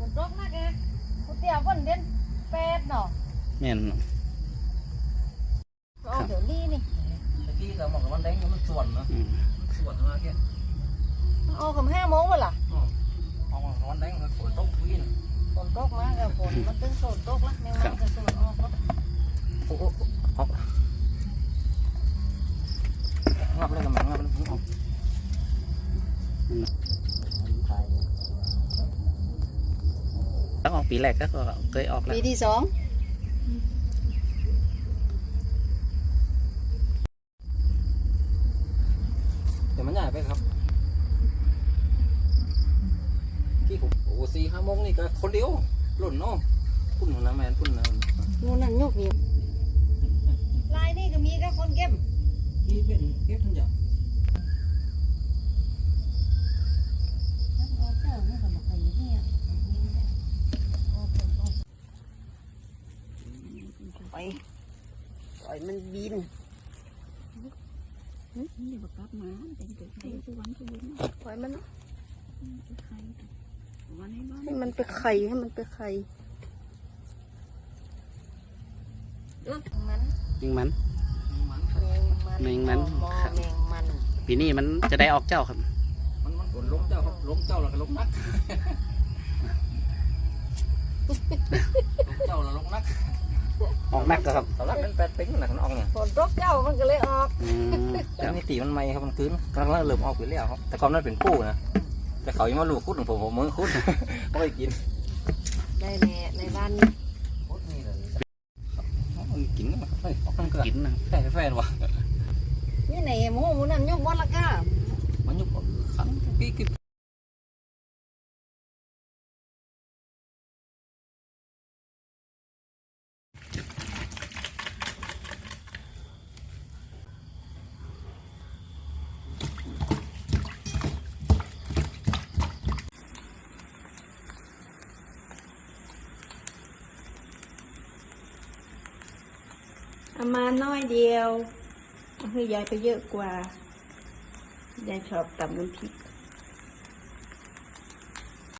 คนรกนักไงคนเตี้ยคนเด่นแปดเนาะแม่นเอาเดี๋ยวนี้นี่ตะกี้เราบอกว่าแดงมันส่วนเนาะส่วนมาแค่เอาคำ5 โมงวะล่ะเอาวันแดงมันฝนตกพื้นฝนตกมากับฝนมันตึ้งฝนตกละแมงมันจะส่วนออกแล้วโอ้โหงับเลยกับแมงงับมันออกแล้วออกปีแรกก็เคยออกแล้วปีที่2 แต่มันใหญ่ไปครับที่ผมโอ้4-5 โมงนี่ก็คนเดียวหล่นเนาะพุ่นนะแมนพุ่นนะนู่นนั่นยกนี่ลายนี่ก็มีกับคนเก็บที่เป็นเก็บทั้งอย่างไปปล่อยมันบินนี่บักกับมาเป็นตัวไข่สุวรรณสุวรรณปล่อยมันให้มันไปไข่ให้มันไปไข่ยิงมันแมงมันปีนี้มันจะได้ออกเจ้าครับมันฝนล้มเจ้าครับล้มเจ้าแล้วก็ล้มนักล้มเจ้าแล้วล้มนักออกนักครับตอนแรกมัน8 ปิ๊งนะมันออกเนี่ยฝนตกเจ้ามันก็เลยออกแล้วนี่ตีมันไม่ครับมันคืนกำลังเริ่มออกไปแล้วครับแต่ก่อนนั้นเป็นผู้นะแต่เขายังมาลูกคุดของผมมือคุดไม่ได้กินได้แน่ในบ้านคุดนี่เลยมันกินเฮ้ยออกกันเกิดกินนะแฟนวะนี่ไหนหมูนั่นยกบอลละก้ามันยุบขันกี่เอามาน้อยเดียวให้ยายไปเยอะกว่ายายชอบตำน้ำพริก